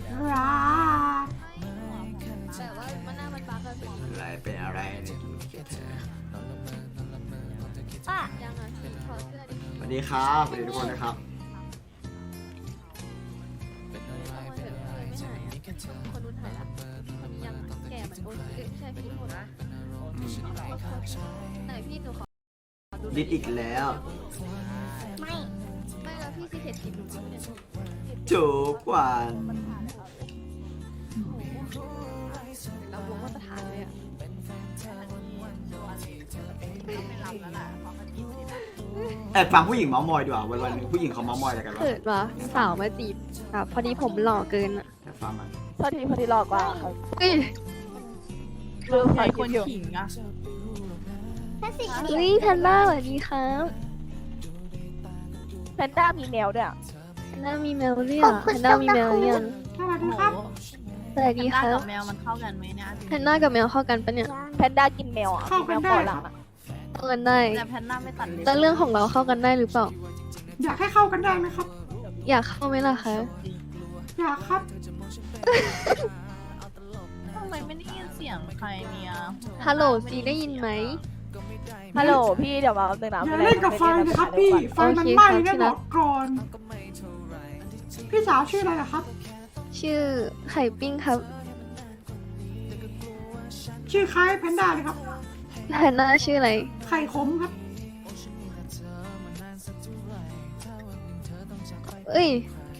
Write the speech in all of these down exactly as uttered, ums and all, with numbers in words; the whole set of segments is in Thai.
รักแต่ว่ามันหน้ามันบั๊กอะพี่อะไรเป็นอะไรในดูเกตเธอป้ายังอ่ะพี่ถอดเสื้อดิสวัสดีครับสวัสดีทุกคนนะครับเอามาเถอะเลยไม่หายอ่ะคนนู้นหายละคนนี้ยังอะแก่เหมือนโอ๊ตเอ้ยไม่ใช่พี่โอ๊ตนะไหนพี่หนูขอดูหน่ดิอยดอีกแล้วไม่ไม่แล้วพี่ซีเทสกินหนูเนี่ยจูกวันเราลงมาตรฐานเลยอ่ะแอบฟังผู้หญิงเมาส์มอยดีกว่าวันวันๆหนึงผู้หญิงเขาเมาส์มอยอะไรกันวะเกิดว่าสาวมาจีบแบบพอดีผมหล่อเกินอ่ะแอบฟังมันพอดีพอดีหลอกว่าครับเฮ้ยลืมใครใครคคน นขิงอ่ะเฮ้ยแพนด้าสวัสดีครับแพนด้ามีแมวด้วยอะแพนด้ามีแมวหรือยังแพนด้ามีแมวหรือยังสวัสดีครับสวัสดีแพนคด้ารักับ บแมวมันเข้ากันไหมเนี่ยแพนด้ากับแมวเข้ากันปะเนี่ยแพนด้ากินแมวอ่ะเข้ามีกัแมนวได้เกาะหลังอะเข้ากันได้แต่แพนด้าไม่ตัดเล็บแต่เรื่องของเราเข้ากันได้หรือเปล่าอยากให้เข้ากันได้ไหมครับอยากเข้าไหมล่ะคะอยากครับทำไมไม่ได้ยินเสียงใครเนี่ยฮัลโหลซีได้ยินไหมฮัลโหลพี่เดี๋ยวมาแป๊บนึงนะอย่าไม่ได้เล่นกับไฟนะครับพี่ ไฟมันไหม้นะบอกก่อน พี่สาวชื่ออะไรล่ะครับชื่อไข่ปิ้งครับชื่อคล้ายแพนด้าเลยครับแพนด้าชื่ออะไรไข่ขมครับเอ้ย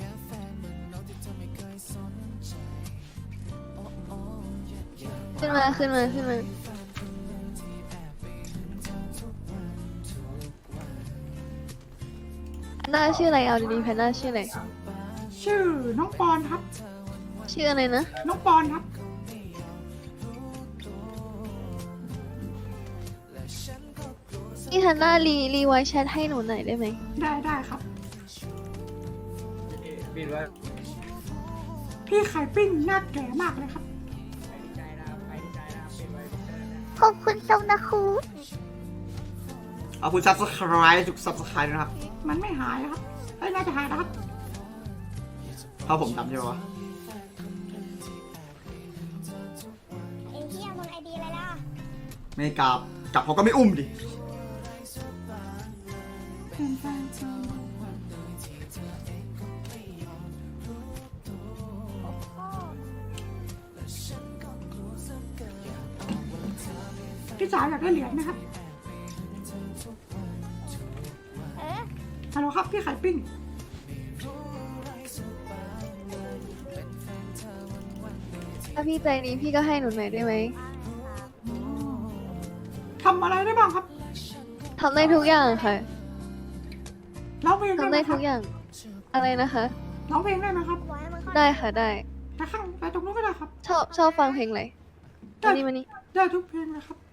ขึ้นมาขึ้นมาขึ้นมาแพนด้าชื่ออะไรเอาดีๆแพนด้าชื่ออะไรชื่อน้องปอนครับชื่ออะไรนะน้องปอนครับพี่ฮันน่ารีรีไว้แชทให้หนูหน่อยได้ไหมได้ได้ครับปิดไว้พี่ไข่ปิ้งหน้าแก่มากเลยครับขอบคุณทรงนะครูเอาคุณ subscribe ทุก subscribe ด้วยนะครับมันไม่หายครับไอ้ยน่าจะหายนะครับเพราะผมดำใช่ไหมวะไอ้เหี้ยมึงไอดีอะไรล่ะไม่กลับกลับเขาก็ไม่อุ้มดิพี่สาวอยากได้เหรียญไหมครับเออฮัลโหลครับพี่ไข่ปิ้งถ้าพี่ใจดีพี่ก็ให้หนูหน่อยได้ไหมทำอะไรได้บ้างครับทำได้ทุกอย่างค่ะร้องเพลงได้ทำไหมได้คทุรับกอย่าง อะไรนะคะร้องเพลงได้ไหมครับไว้มึงเข้าได้ค่ะได้ไปข้างไปตรงนู้นก็ได้ครับชอบชอบฟังเพลงอะไรมานี่มานี่ได้ทุกเพลงเลยครับ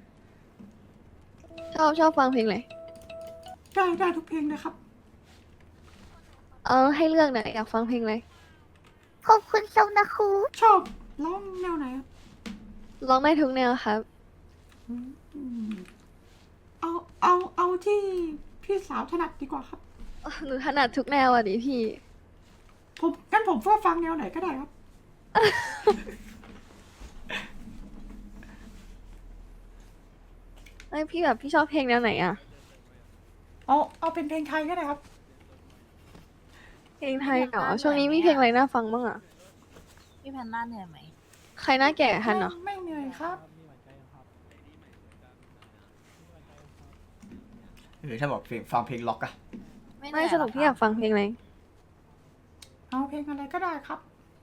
ชอบชอบฟังเพลงอะไรได้ได้ทุกเพลงเลยครับเอาให้เลือกหน่อยอยากฟังเพลงอะไรขอบคุณทรงนะครูชอบร้องแนวไหนครับร้องได้ทุกแนวครับอืมเอาเอาเอาที่พี่สาวถนัดดีกว่าครับหนูถนัดทุกแนวอ่ะดิพี่ผมงั้นผมก็ฟังแนวไหนก็ได้ครับไอยพี่แบบพี่ชอบเพลงแนวไหนอ่ะเอาเอาเป็นเพลงไทยก็ได้ครับเพลงไทยเหรอช่วงนี้มีเพลงอะไรน่าฟังบ้างอ่ะพี่แพนด้าเหนื่อยไหมใครหน้าแก่ทันเหรอไม่เหนื่อยครับหรือถ้าบอกเพลงฟังเพลงล็อกอะเหนื่ไม่อยสรุปพี่อยากฟังเพลงอะไรเอาเพลงอะไรก็ได้ครับ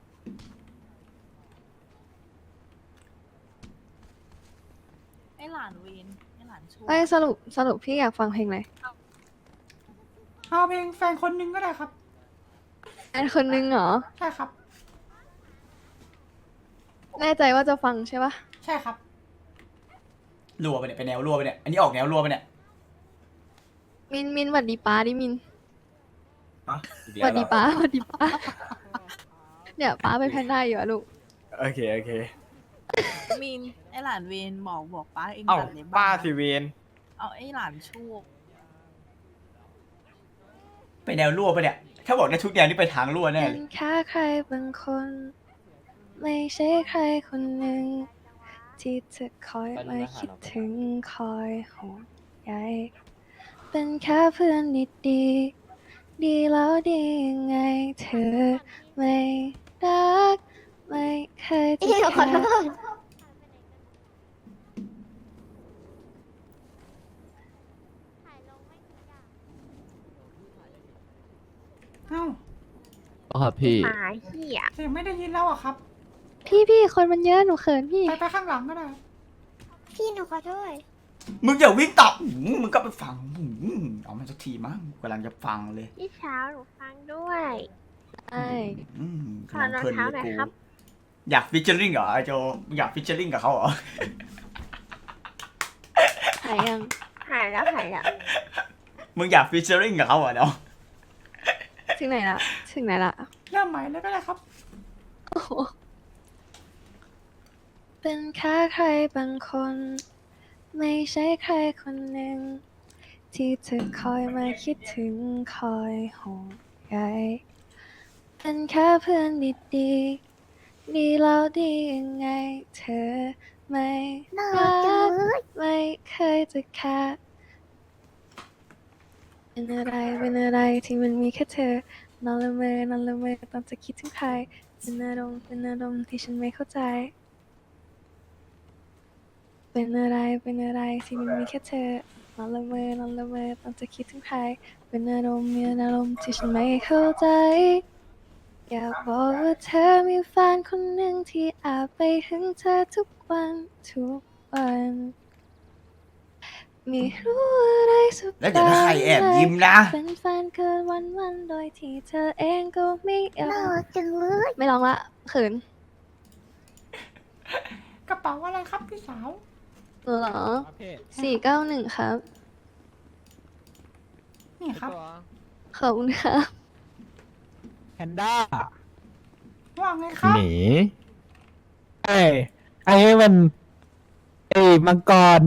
ไอหลานวีนไอหลานชูไม่สรุปสรุปพี่อยากฟังเพลงอะไรเอาเพลงแฟนคนหนึงก็ได้ครับอันคนนึงเหรอใช่ครับแน่ใจว่าจะฟังใช่ปะใช่ครับรัวไปเนี่ยเป็นแนวรัวไปเนี่ยอันนี้ออกแนวรัวไปเนี่ยมินมินหวัดดีป้าดิมินอะหวัดดีป้าหวัดดีป้า เนี่ยป้าเป็นแพนด้าอยู่อะลูกโอเค โอเคมีนไอหลานวีนบอกบอกป้าเองเอ้าตัดเล็บป้าบ้งนะสิเวนเอาไอหลานชูไปแนวรั่วปะเนี่ย ถ้าบอกได้ทุกแนวนี่ไปทางรั่วแน่เป็เลนยแค่ใครบางคน ไม่ใช่ใครคนหนึ่ง ที่จะคอยมาคิดถึงคอยห่วงใยเป็นแค่เพื่อนดีๆดีแล้วดียังไงเธอไม่รัก ไม่เคยจะเดี๋ยวขอแค่โทษเอ้าครับพี่หมาเหี้ยเสียงไม่ได้ยินแล้วอะครับพี่พี่คนมันเยอะหนูเขินพี่ไปไปข้างหลังก็ได้พี่หนูขอโทษมึงอย่าวิ่งตับหืมมึงก็ไปฟังหืมเอามันสักทีมั้งกำลังจะฟังเลยพี่เช้าหนูฟังด้วยใช่อืมขอรองเท้าหน่อยครับอยากฟิชเชอร์ลิงเหรอไอโจมึงอยากฟิชเชอร์ลิงกับเขาเหรอหายยังหายแล้วหายแล้วมึงอยากฟิชเชอร์ลิงกับเขาเหรอเนาะถึงไหนละถึงไหนละเริ่มใหม่เลยก็ได้ครับโอ้โหเป็นแค่ใครบางคน ไม่ใช่ใครคนหนึ่ง ที่เธอคอยมาคิดถึงคอยห่วงใยเป็นแค่เพื่อนดีๆดีแล้วดียังไง เธอไม่น่ารัรักจังกเลยไม่เคยจะแค่เป็นอะไรเป็นอะไรที่มันมีแค่เธอนอนละเมอนอนละเมอตอนจะคิดถึงใครเป็นอารมณ์เป็นอารมณ์ที่ฉันไม่เข้าใจ เป็นอะไรเป็นอะไรที่มันมีแค่เธอนอนละเมอนอนละเมอตอนจะคิดถึงใครเป็นอารมณ์มีอารมณ์ที่ฉันไม่เข้าใจ อยากบอกว่าเธอมีแฟนคนหนึ่งที่อาจไปถึงเธอทุกวันทุกวันไม่รู้อะไรสักแล้วเดี๋ยวถ้าใครแอบยิ้มนะเป็นแฟนเกินวันวันๆโดยที่เธอเองก็ไม่ยอน่าม รักจังเลยไม่ร้องละเขินกระเป๋าอะไรครับพี่สาวหนูเหรอสี่เก้าหนึ่งครับนี่ครับขอบคุณครับแพนด้าว่าไงครับหนีไอ้ไอ้มันไอ้มังกร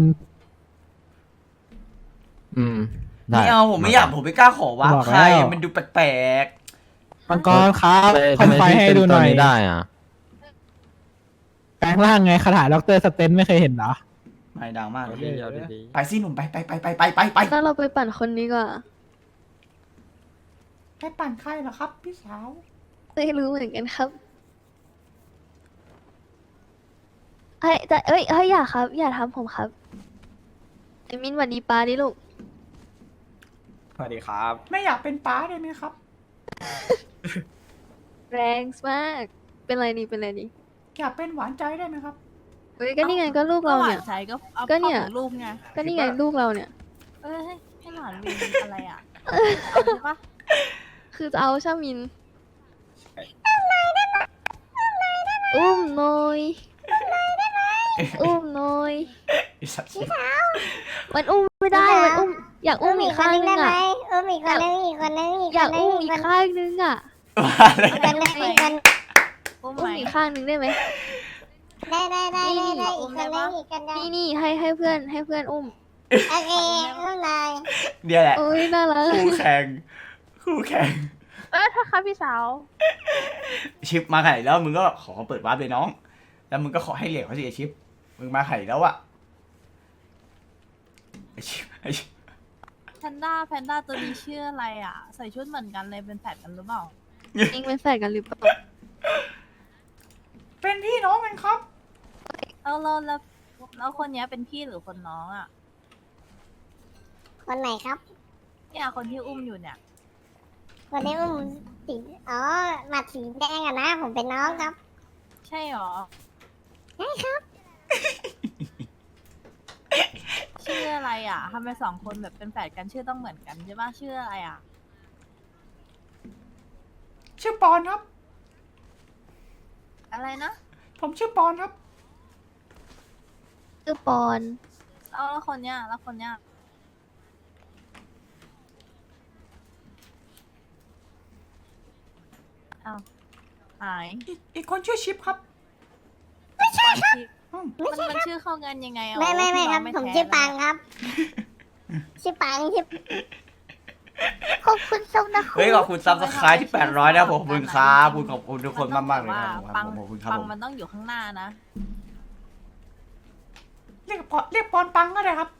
อืมได้ไม่เอาผมไม่อยากผมไม่กล้าขอว่าบอกใครแล้วมันดูแปลกมังกรครับทำไมคอนไฟพี่ให้เป็นดูหตัวน่อยนี้ได้อ่ะแปลงร่างไงคาถาด็อกเตอร์สเตนไม่เคยเห็นเหรอๆไม่ดังมากเลยเดี๋ยวไปสิหนุ่มไปไปไปไปไปไปไปแล้วเราไปปั่นคนนี้ก่อนไปปั่นใครเหรอครับ พี่สาวไม่รู้เหมือนกันครับเอ้ยแต่เอ้ยเฮ้ยอย่าครับ อย่าทำผมครับไอ้มินหวันดีป้าดิลูกสวัสดีครับไม่อยากเป็นป้าได้ไหมครับแรงมาก เป็นไรนี่เป็นไรนี่อยากเป็นหวานใจได้ไหมครับเฮ้ยก็นี่ไงก็ลูกเราเนี่ยหวใช้ก็เอาก็เนี่ยข้าของลูกไงก็นี่ไงลูกเราเนี่ยเอ้ยให้ให้หลานวินอะไรอ่ะเอาใช่ปะคือจะเอาชามินอุ้มหน่อยอุ้มหน่อยไอ้สัตว์มันอุ้มไม่ได้มันอุ้มอยากอุ้มอีกข้างนึงได้ไหมอ่ะเออมีคนนึงอีกคนนึงอีกอยากคนนึอุ้งมอีอีกกคนนึงข้างนึงอ่ะอีกคนนึงอีกคนอุ้มอุ้ไหมมอีกข้างนึงได้ไหมได้ได้ได้นี่ได้ได้อุ้อีกมคได้นนึปะงอีกคนนึงนี่นี่ให้ให้เพื่อนให้เพื่อนอุ้มโอเคข้างในเดี๋ยวแหละโอ้ยน่ารักคู่แข่งคู่แข่งเออถ้าครับพี่สาวชิปมาไข่แล้วมึงก็ขอเปิดวาร์ปเลยน้อง แล้วมึงก็ขอให้เหรียญเขาสิไอชิปมึงมาไข่แล้วอะไอชิปไอชิปแพนด้าแพนด้าตัวนี้ชื่ออะไรอ่ะ ใส่ชุดเหมือนกันเลยเป็นแฝดกันหรือเปล่าเองเป็นแฟนกันหรือเปล่าเป็นพี่น้องกันครับแล้วแล้วแล้วแล้วคนเนี้ยเป็นพี่หรือคนน้องอ่ะคนไหนครับเนี่ยคนที่อุ้มอยู่เนี่ยคนนี้อุ้มสีอ๋อหมัดสีแดงอะนะ ผมเป็นน้องครับใช่หรอใช่ครับชื่ออะไรอ่ะทำไมสองคนแบบเป็นแฝดกันชื่อต้องเหมือนกันใช่ปะชื่ออะไรอ่ะชื่อปอนครับอะไรนะผมชื่อปอนครับคือปอนแล้วแล้วคนเนี้ยแล้วคนเนี้ยอ้าวหายอีกอีกคนชื่อชิปครับ อืมมันมันชื่อเข้ากันยังไงอ่ะไม่ไม่ไม่ครับพี่ผน้องมแท้ชื่อปังเลยครับ ชื่อปังชื่อขอบคุณสำนักเฮ้ยขอบคุณซับสไครต์ที่แปดร้อยนะผมขอบคุณครับขอบคุณขอบคุณทุกคนมากมากๆเลยว่านะครับปังผมขอบคุณครับปังผมมันต้องอยู่ข้างหน้านะเรียกปอเรียกปอนปังก็ได้ครับ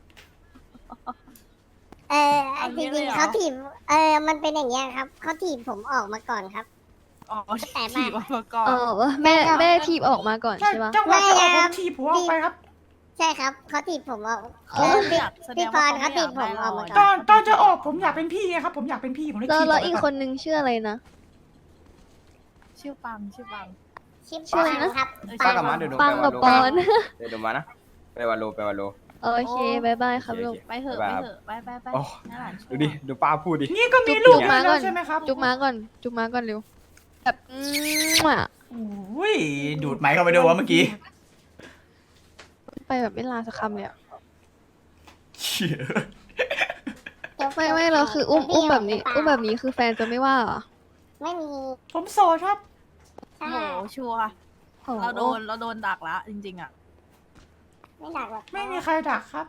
เออเอาจงี้เลยริงเหรอๆเขาถีบเออมันเป็นอย่างเงี้ยครับเขาถีบผมออกมาก่อนครับอ๋อแต่มาถีบออกมาก่อนเออว่าแม่แม่ทีบออกมาก่อนใช่ใช่ปะจังหวะที่ออกไม่ผครัมบทีบหัวออกไปครับใช่ครับเขาถีบผมออกเขาเออไม่พี่อยากแสดพี่งพว่าร เขาเขาไม่ถีอยาบกผมได้ออกเรามาอะตก่ออนนตอนจะออกผมอยากเป็นพี่ไงครับ ผมอยากเป็นพี่ผมเลยแล้วขี่แล้วอีกไปคนนึงชื่ออะไรนะชื่อปังชื่อปังชิปชื่ออะไรนะครับเออป้ากับม้าเดี๋ยวดูปังกับปอนเดี๋ยวดูมานะไปวาโลไปวาโลโอเคบายบายครับลูกไปเถอะบ๊ายไปบายเถอะไปไปไปโอ้น่าหลานชั่วดูดิ ดูป้าพูดดินี่ก็มีจุ๊ลูบกมาแล้ก่วอนใช่ไหมครับจุ๊บมาก่อน จุ๊บมาก่อนเร็วแบบอืมอ่ะอุ้ยดูดไม้เข้าไปด้วยวะเมื่อกี้ไปแบบไม่ลาสักคำเลยอะเชี่ยไม่ไม่เราคืออุ้มอุ้มแบบนี้ อุ้มแบบนี้คือแฟนจะไม่ว่าเหรอไม่มีผมโสดครับโอ้โหชัวร์โอ้โหเราโดนเราโดนดักละจริงๆอ่ะไม่ดักหรอกไม่มีใครดักครับ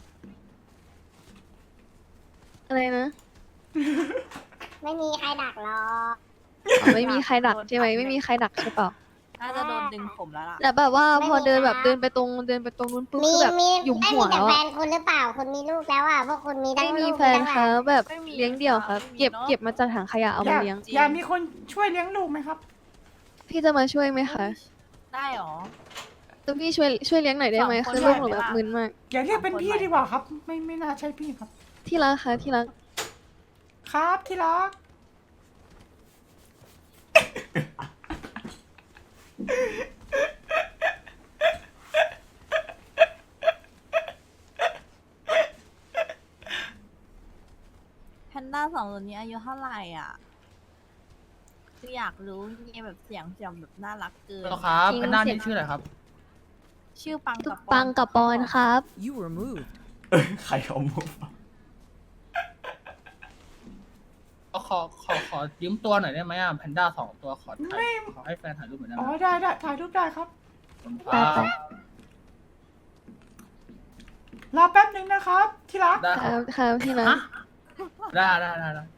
อะไรนะไม่มีใครดักหรอกอ๋อไม่มีใครดักใช่ไหมไม่มีใครดักใช่เปล่าน่าจะโดนดึงผมแล้วล่ะแล้วแบบว่าพอเดินแบบเดินไปตรงเดินไปตรงนู้นปุ๊บมีคือแบบมีหยุมไม่หัมีวแต่แล้วแฟอะนคุณหรือเปล่าคุณมีลูกแล้วอ่ะพวกคุณมีทั้งไม่ลูมีกแฟนทั้งหคลารันบแบบไม่มีเลี้ยงเดี่ยวครับไม่มีเก็บเนอะเก็บมาจากถังขยะเอาอมายากเลี้ยงจริงอยากมีคนช่วยเลี้ยงลูกไหมครับพี่จะมาช่วยไหมคะได้หรอตัวพี่ช่วยช่วยเลี้ยงหน่อยได้ไหมสองคนคือลูกหนูได้แบบไหมล่ะมึนมากอย่าเรียกเป็นพี่ดีกว่าครับ ไม่ไม่น่าใช่พี่ครับที่รักคะที่รักครับที่รักแพนด้าสองตัวนี้อายุเท่าไหร่อ่ะคืออยากรู้มีแบบเสียงเสียงแบบน่ารักเกินครับจริงเป็นหน้าเสียนี่งชื่ออะไรครับชื่อปังกับปังกับปอนครับเออใครเอามุกขอขอขอยืมตัวหน่อยได้ไหมอ่ะแพนด้าสองตัวขอถ่ายขอให้แฟนถ่ายรูปหน่อยได้อ๋ไหอมได้ได้ถ่ายรูปได้ครับครับรอแป๊บหนึ่งนะครับ ที่รักได้คครัรับบ ครับที่รักได้ได้ได้ได้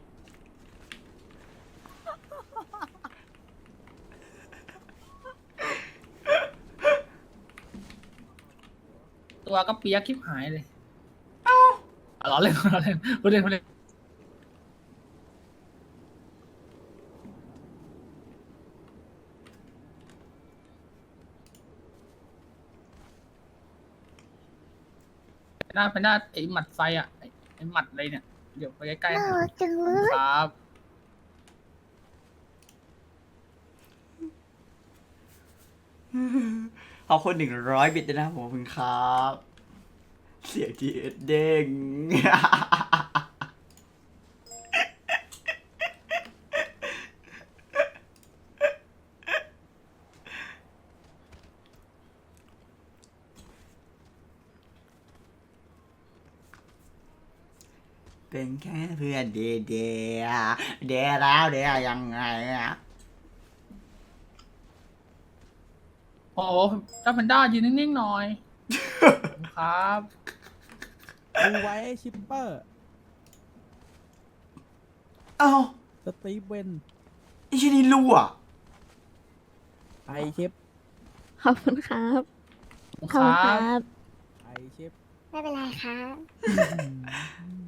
ตัวก็เปียกคลิปหายเลย เอ้าล้อเล่นล้อเล่นพูดเล่นพูดเล่น หน้าเป็นหน้าไอ้หมัดไฟอ่ะไอ้ไอ้หมัดอะไรเนี่ย เดี๋ยวไปใกล้ๆหน่าน่อยรักจังเลยครับขอบคุณหนึ่งร้อยบิตด้วยนะครับผมขอบคุณครับ เสียงทีเอสเด้ง เป็นแค่เพื่อนเดย์เดย์เดย์แล้วเดย์ยังไงอะโอ้โหเจ้าแพนด้ายืนนิ่งๆหน่อย ครับดูไว้ไอ้ชิปเปอร์เอ้าสตีฟเวนไอ้ชินี่รู้อ่ะไอชิปขอบคุณครับครับไอชิปไม่เป็นไรครับอืม